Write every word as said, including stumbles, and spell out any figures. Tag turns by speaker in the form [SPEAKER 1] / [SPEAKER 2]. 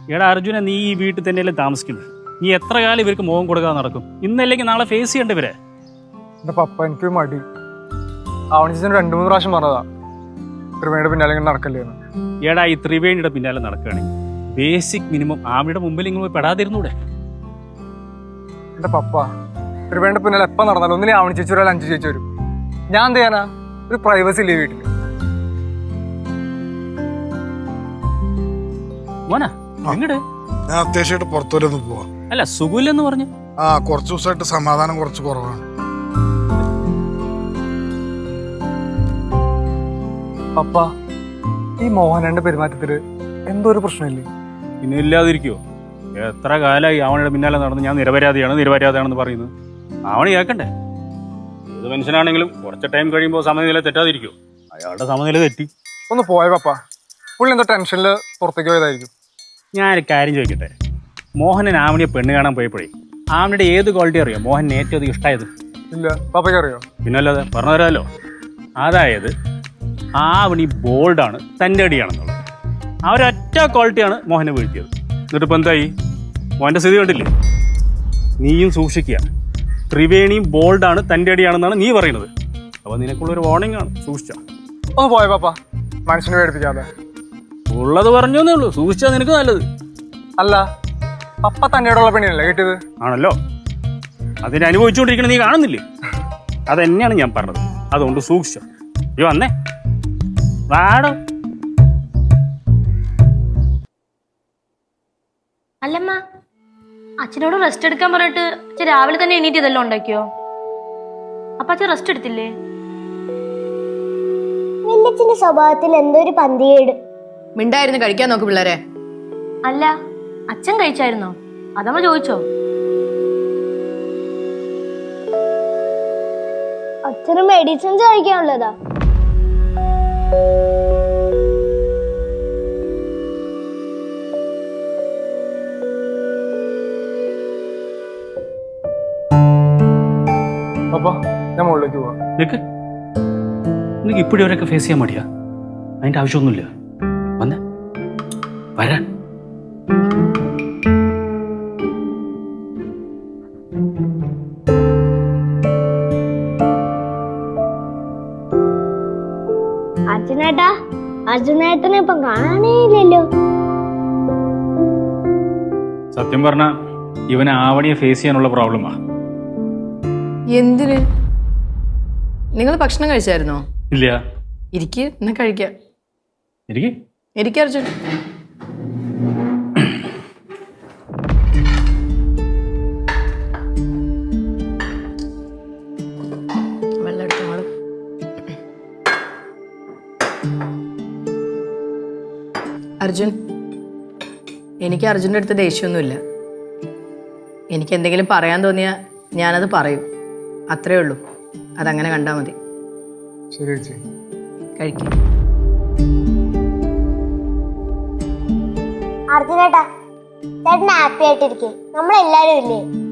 [SPEAKER 1] എടാ അർജുന, നീ ഈ വീട്ടിൽ തന്നെയല്ലേ താമസിക്കുന്നത്? നീ എത്ര കാലം ഇവർക്ക് മുഖം കൊടുക്കാതെ നടക്കും? ഇന്നല്ലെങ്കിൽ നാളെ ഫേസ് ചെയ്യേണ്ട ഇവരെ.
[SPEAKER 2] എന്റെ പപ്പ എനിക്കൊരു മടി. ആവണിച്ചന് രണ്ടു മൂന്ന് പ്രാവശ്യം പറഞ്ഞതാ ത്രിവേണിയുടെ പിന്നാലെ ഇങ്ങനെ നടക്കല്ലേന്ന്.
[SPEAKER 1] എടാ ഈ ത്രിവേണിയുടെ പിന്നാലെ നടക്കുകയാണെങ്കിൽ ബേസിക് മിനിമം ആമിയുടെ മുമ്പിൽ ഇങ്ങനെ പെടാതിരുന്നൂടെ?
[SPEAKER 2] എന്റെ പപ്പ ത്രിവേണിയുടെ പിന്നാലെ എപ്പം നടന്നാലും ഒന്നിനെ ആവണി ചേച്ചി വരാൻ അഞ്ചു ചേച്ചി വരും. ഞാൻ എന്ത് ചെയ്യാനാ? ഒരു പ്രൈവസി ഇല്ലേ വീട്ടില്?
[SPEAKER 1] മോനാ എങ്ങട്?
[SPEAKER 3] ഞാൻ അത്യാവശ്യമായിട്ട് പുറത്തുവരെ ഒന്ന് പോവാ.
[SPEAKER 1] അല്ല സുഖമില്ലെന്ന് പറഞ്ഞു.
[SPEAKER 3] ആ കുറച്ചു ദിവസമായിട്ട് സമാധാനം കുറച്ച് കുറവാണ്.
[SPEAKER 2] പപ്പ ഈ മോഹനന്റെ പെരുമാറ്റത്തില് എന്തോ ഒരു പ്രശ്നമില്ലേ?
[SPEAKER 1] പിന്നെ ഇല്ലാതിരിക്കുവോ? എത്ര കാലമായി അവളുടെ പിന്നാലെ നടന്ന് ഞാൻ നിരപരാധിയാണ് നിരപരാധിയാണെന്ന് പറയുന്നത്. അവന് കേൾക്കണ്ടേ? ഏത് മനുഷ്യനാണെങ്കിലും കുറച്ച് ടൈം കഴിയുമ്പോൾ സമനില തെറ്റാതിരിക്കുമോ? അയാളുടെ സമനില തെറ്റി.
[SPEAKER 2] ഒന്ന് പോയ പപ്പ, പുള്ളി എന്തോ ടെൻഷനിൽ പുറത്തേക്ക് പോയതായിരിക്കും.
[SPEAKER 1] ഞാനൊരു കാര്യം ചോദിക്കട്ടെ. മോഹനൻ ആവണിയെ പെണ്ണ് കാണാൻ പോയപ്പോഴേ ആവണിയുടെ ഏത് ക്വാളിറ്റി അറിയോ മോഹൻ ഏറ്റവും അധികം ഇഷ്ടമായത്?
[SPEAKER 2] ഇല്ല, പപ്പയ്ക്ക് അറിയോ?
[SPEAKER 1] പിന്നല്ലാതെ പറഞ്ഞു തരാമല്ലോ. അതായത് ആവണി ബോൾഡാണ്, തൻ്റെ അടിയാണെന്നുള്ളത്. ആ ഒരൊറ്റ ക്വാളിറ്റിയാണ് മോഹനെ വീഴ്ത്തിയത്. എന്നിട്ടിപ്പോൾ എന്തായി? മോഹൻ്റെ സ്ഥിതി കണ്ടില്ലേ? നീയും സൂക്ഷിക്കുക. ത്രിവേണിയും ബോൾഡാണ്, തൻ്റെ അടിയാണെന്നാണ് നീ പറയുന്നത്. അപ്പോൾ നിനക്കുള്ളൊരു വാർണിംഗ് ആണ്, സൂക്ഷിച്ചാ.
[SPEAKER 2] ഒന്ന് പോയ പപ്പ, മനുഷ്യനെ പേടിപ്പിക്കാതെ.
[SPEAKER 1] ഉള്ളത് പറഞ്ഞേ ഉള്ളൂ, സൂക്ഷിച്ചാൽ നിനക്ക് നല്ലത്.
[SPEAKER 2] അല്ല, പപ്പ തന്നെയോടുള്ള പെണ്ണിനല്ലേ കിട്ടിയത്?
[SPEAKER 1] ആണല്ലോ. അതിനെ അനുഭവിച്ചുകൊണ്ടിരിക്കണ നീ കാണുന്നില്ലേ? അതെന്നെയാണ് ഞാൻ പറഞ്ഞത്. അതുകൊണ്ട് സൂക്ഷിച്ചോ. ഈ വന്നേ വാടോ.
[SPEAKER 4] അല്ലമ്മ, അച്ഛനോട് റെസ്റ്റ് എടുക്കാൻ പറഞ്ഞിട്ട് അച്ഛൻ രാവിലെ തന്നെ എണീറ്റ് ഇതെല്ലാം ഉണ്ടാക്കിയോ? അപ്പൊ അച്ഛൻ റെസ്റ്റ് എടുത്തില്ലേ?
[SPEAKER 5] വല്യച്ഛന്റെ സ്വഭാവത്തിൽ എന്തോ ഒരു പന്തികേട്.
[SPEAKER 6] മിണ്ടായിരുന്നു കഴിക്കാൻ നോക്ക് പിള്ളേരെ.
[SPEAKER 4] അല്ല, അച്ഛൻ കഴിച്ചായിരുന്നോ? അതമ്മ ചോദിച്ചോ?
[SPEAKER 5] അച്ഛന് മെഡിസിൻസ് കഴിക്കാനുള്ളതാ.
[SPEAKER 2] പപ്പ, ഞാൻ മുകളിലേക്ക് പോവാ.
[SPEAKER 1] നിനക്ക് നിനക്ക് ഇപ്പോഴും അവരൊക്കെ ഫേസ് ചെയ്യാൻ മടിയാ? അതിൻ്റെ ആവശ്യമൊന്നുമില്ല. വന്നേ വരാൻ.
[SPEAKER 5] അർജുനേട്ടാ, അർജുനേട്ടനെ ഇപ്പം കാണാനേയില്ലല്ലോ.
[SPEAKER 1] സത്യം പറഞ്ഞ ഇവനെ ആവണിയെ ഫേസ് ചെയ്യാനുള്ള പ്രോബ്ലമാ.
[SPEAKER 6] എന്തിന്? നിങ്ങൾ ഭക്ഷണം കഴിച്ചായിരുന്നോ?
[SPEAKER 1] ഇല്ല.
[SPEAKER 6] ഇരിക്ക്, എന്നാ കഴിക്കാം.
[SPEAKER 1] എനിക്ക്
[SPEAKER 6] ഇരിക്ക അർജുൻ. വെള്ളം എടുത്തോളൂ. അർജുൻ, എനിക്ക് അർജുൻ്റെ അടുത്ത് ദേഷ്യമൊന്നുമില്ല. എനിക്ക് എന്തെങ്കിലും പറയാൻ തോന്നിയാൽ ഞാനത് പറയും, അത്രേ ഉള്ളൂ. അതങ്ങനെ കണ്ടാൽ മതി.
[SPEAKER 2] ശരി ചേച്ചി.
[SPEAKER 6] കഴിക്കും.
[SPEAKER 5] അർജുനേട്ടാ, ചേട്ടൻ ഹാപ്പി ആയിട്ടിരിക്കേ. നമ്മളെല്ലാരും ഇല്ലേ?